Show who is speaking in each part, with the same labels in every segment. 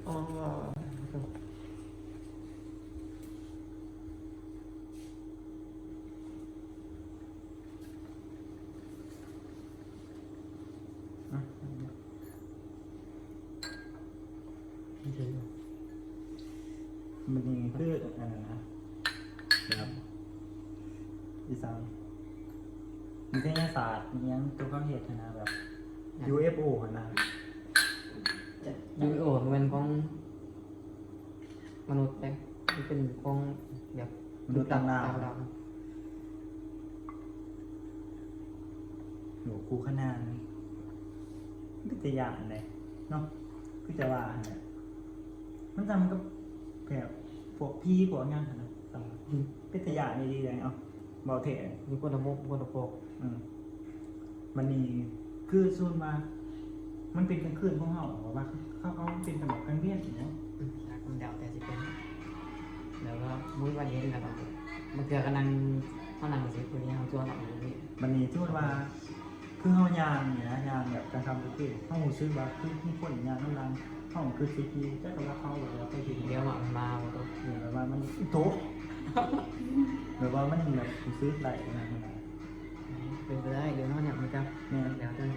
Speaker 1: อ๋อ
Speaker 2: มันนี่คืออะไรนะแบบอีสานมีวิทยาศาสตร์มียังตัวเขาเหตุนะแบบ UFO นะ
Speaker 1: UFO มันเป็นของมนุษย์แต่มันเป็นของแบบ
Speaker 2: มนุษย์ต่างดาว
Speaker 1: ดาว
Speaker 2: หนูคูขนานวิทยาอะไรเนาะก็จะว่าเนี่ยมันจำกับแบบพวกพี่พวกงานนะวิทยานี่ดีเลยเอาเบาเถอะ
Speaker 1: มีคนละมุกคนละโปก
Speaker 2: มันนี่คือส่วนมามันเป็นกลางคืนของเขาว่าเขาเป็นแบบกลางเวียนอย่างเงี้ย
Speaker 1: คนดาวแต่สิเป็นแล้วก็มุ้ยวันเย็นแล้วก็มันเกิดกันนั่งเขานั่งสิคนนี้เขาชวนเราอยู่นี่
Speaker 2: มันนี่ที่ว่าคือเขายางเนี่ยนะยางแบบการทำธุรกิจเขาซื้อมาคือที่คนยางน้ำรังเขาคือซีพีแต่ก็เขาแบบว่าไปถึง
Speaker 1: เดี๋ยวมาหมดตัว
Speaker 2: แบบว่ามันโต๊ะแบบว่ามันแบบซื้อไหลนะ
Speaker 1: เป็นไปได้เดี๋ยวน้องเนี่ยมันจะ
Speaker 2: เนี่ย
Speaker 1: เดี๋ยวจะ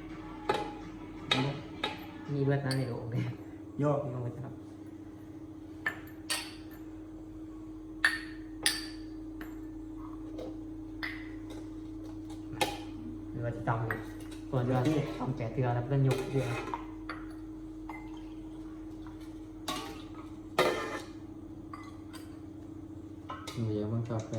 Speaker 1: มีเบิดนั้นในโลกเลย
Speaker 2: ย่อ
Speaker 1: น้องจะรับหรือว่าจะจำเลยส่วนว่าทำแก่เตือแล้วเล่นยกเตือ
Speaker 3: เดี๋ยวมันกาแฟ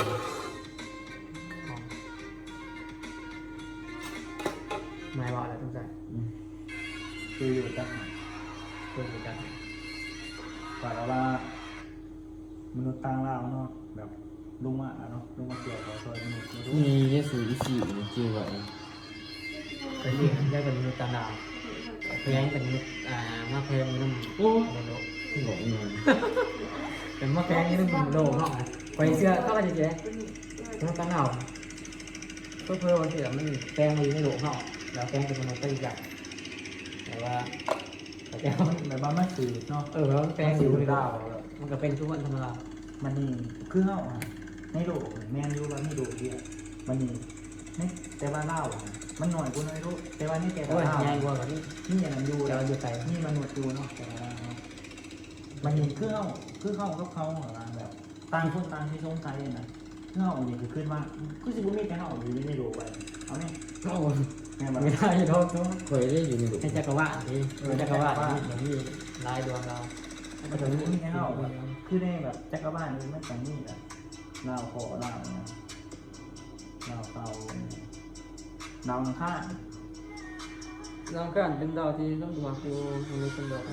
Speaker 1: ไม่ว่าแล้วต้องใจ
Speaker 2: คืออยู่จัง
Speaker 1: ตัวอยู่กัน
Speaker 2: กว่าว่ามนุษย์ต่างดาวเนาะแบบลุงมาเนาะลุงมาเกี่ยวกับซอยมนุษย์
Speaker 3: มีเยสูอีสี่จือไว้
Speaker 1: เป็นเรื่องได้เป็นมนุษย์ต่างดาวเพียงเป็นมนุษย์มาเพียงนุ่ม
Speaker 3: โอ้
Speaker 1: ในโลก
Speaker 3: บอกเงิน
Speaker 1: เป็นมาเพียงนุ่มโลกเนาะไปเสื้อเข้าไปเจ๊มนุษย์ต่างดาวเพื่อวันที่มันแปลงมาอยู่ในโลกเนาะแล้วแปลงเป็นมนุษย์ไปอีกอย่างแต่ว่าแต่ว่า
Speaker 2: แบบว่ามันสื่อเนาะ
Speaker 1: แปลงอยู่ในโลกมันก็เป็นทุกวันธรรมดา
Speaker 2: มันนี่คือเขาในโลกแมนยูว่าไม่โลกเดียวมันนี่แต่ว่าเล่ามันหน่อยกูน้อยรู้แต่ว่านี่แต่
Speaker 1: โอ้ย
Speaker 2: เล่า
Speaker 1: ใหญ่กว่านี้
Speaker 2: นี่อย่างนั้นยู
Speaker 1: เรา
Speaker 2: แล้ว
Speaker 1: อยู่ไกล
Speaker 2: นี่มนุษย์ยูเนาะแต่ว่ามันนี่คือเขากับเขาแบบต่างคนต่างที่สงสัยนะเขาอย่างคือขึ้นมาคือสิบุมีแต่เขาอยู่ในโลกไปเอาไหม
Speaker 1: โอ้
Speaker 2: แม่แบบ
Speaker 1: ไม่ได้โทษ
Speaker 3: เคยได้อยู่ในหลุม
Speaker 1: ให้จักรวาลนี่จักรวาลนี่อย่างนี้ลายดวงเรา
Speaker 2: มันจะมีให้เขาแบบคือในแบบจักรวาลนี้มันจะมีแบบเล่าขอเล่าเนี่ยเล่าเตาดาวอังคาร
Speaker 1: เราก็เป็นดาวที่ต้องดูคือมันเป็นดาว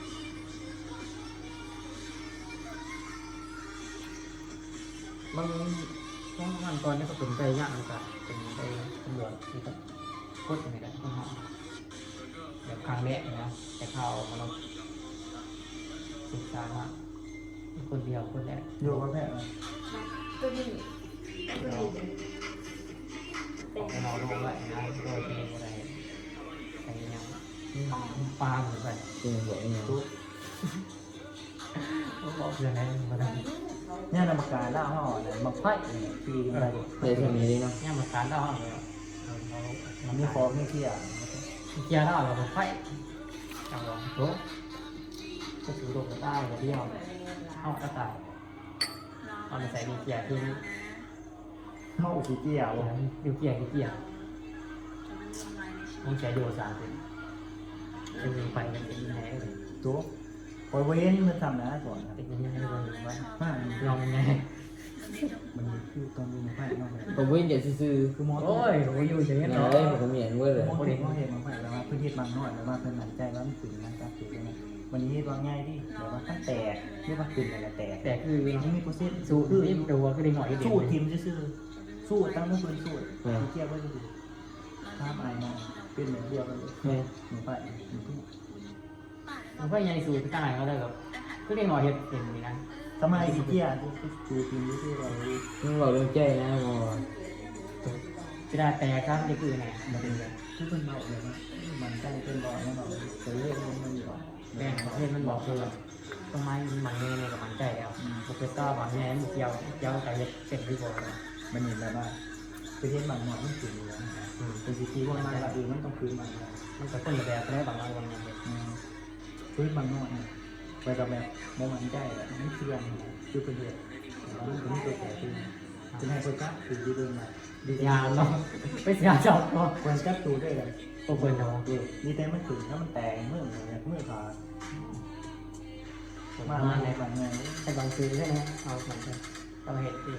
Speaker 1: บางต้องขั้นตอนนี้ก็เป็นไปยากนะครับเป็นไปตำรวจนี่ก็โคตรเหนื่อยเลยต้องหาแบบครั้งแรกนะแต่ข่าวมันศึกษามากคนเดียวคนแรก
Speaker 2: อยู่กับแพทย์
Speaker 4: ตัวนี้ตัวนี้
Speaker 1: ออกไปนอนโรงไว้นะโดยที่อะไรใส่ยังปลาเหมือนกัน
Speaker 3: เป็นบอกเงิน
Speaker 1: บอกอย่างไรมาได้
Speaker 2: เนี่ยนำมากาล่าห่อเนี่ยมาไพ่ปีกันไป
Speaker 3: ได้เท่านี้เลยเนาะ
Speaker 1: เนี่ยมันการได้เลย
Speaker 2: มันมีคอมีเที่ย
Speaker 1: เกียร์ได้เราไฟจังหวะโต๊ะก็ถือลงได้เดียวเอากระต่ายเอาไปใส่ดีเกียร์ที่
Speaker 2: เข้าสีเกี่ยว
Speaker 1: อยู่เกียร์ที่เกียร์ต้องใช้โยสานเป็นเป็นไฟกันเป็นยังไงเลย
Speaker 2: ตัวปล่อยเว้นมันทำนะก่อน
Speaker 1: เป็นยังไงเลยว่า
Speaker 2: มา
Speaker 1: ลองยังไง
Speaker 2: มันคือตอนนี้มาไพ่นอกเลย
Speaker 3: ผมวิ่งเดี๋ยวซื้อ
Speaker 2: คือมอส
Speaker 1: โอ้ยโอ้ยอยู่อย่าง
Speaker 3: ๆ
Speaker 1: นี้
Speaker 3: นะ
Speaker 1: เนาะ
Speaker 3: ได้ผมเห็นเว้ยเลย
Speaker 2: มอสเห็นมาไพ่แล้วว่าพื้นที่บางน้อยแล้วว่าเป็นหนังใจว่ามันตื่นนะจ๊ะตื่นนะวันนี้วางง่ายที่แต่ว่าตั้งแต่ที่ว่าตื่นอะไรแตก
Speaker 1: แต่คือ
Speaker 2: ยังมีโปรเซส
Speaker 1: สูตรนี่ตัวก็ได้หน่อยเดียว
Speaker 2: สู้ทีมซื่อสู้ตั้งมือปืนสู้เกี่ยวไว้ดูภาพอายมาเป็นเหมือนเดียวกันเลยหนูไปหนูทุ่ง
Speaker 1: มันก็ยังสูตรต่างก็ได้แบบก็ได้หน่อยเห็นนี่นะ
Speaker 2: ทำไมอีเกียดูทีมซื่อเรา
Speaker 3: มึงบอกเรื่องใจนะมอ
Speaker 1: จะได้แต่ครับนี่คือไง
Speaker 2: มันเป็นแบบทุกคนเราเลยว่ามันใจเป็นบ่อยนะเราจะเรียกมันอยู่
Speaker 1: แม่เขาเห็นมันบอกคือต้นไม้มันแน่ในกับมันใจแล้วโปรเฟสเซอร์บอกแน่มันเกี่ยวกับเห็ดเป็นที่บอกเลย
Speaker 2: มันเห็นแล้วว่าประเทศบางหน่อยมันคืออยู่แล้วเป็นสิทธิว่ามันละมันต้องคืนบางหน่อย
Speaker 1: มันก็คนละแบบได้บางวันเนี่ย
Speaker 2: คืนบางหน่อยไปกับแบบโมมันใจแบบมันเชื่องคือเป็นเดือดแล้วมันเป็นตัวแก่ขึ้นจะให้คนจับคือดีเดินมาดี
Speaker 1: ยามเนาะไปเสียจอบเนาะ
Speaker 2: คนจับตูได้เลย
Speaker 1: โอ้เปิดเนาะ
Speaker 2: ดีแต่มันถึงถ้ามันแตกเมื่อขาด
Speaker 1: มา
Speaker 2: มาใน
Speaker 1: ใน
Speaker 2: บางเงิน
Speaker 1: ไอ้บางซื้อใช่ไหมเอาเหมือนกันเอาเห็ดเอง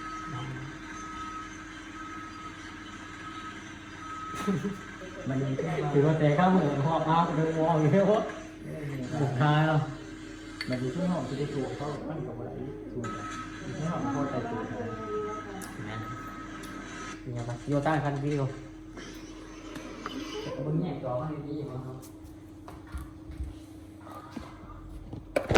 Speaker 2: มันมีแค่
Speaker 1: ถือว่าแต่ข้าวหมูหอบเอาดูมองอยู่เยอะหมุนท้ายเนาะ
Speaker 2: มันมีช่วงหอมที่ได้ตัวเขามันกับอะไรถูกไม่หอมพอใจตัวเขา
Speaker 1: เนี่ยครับโยต้าคันวิวบนแง่จอคันนี้มั้งครับ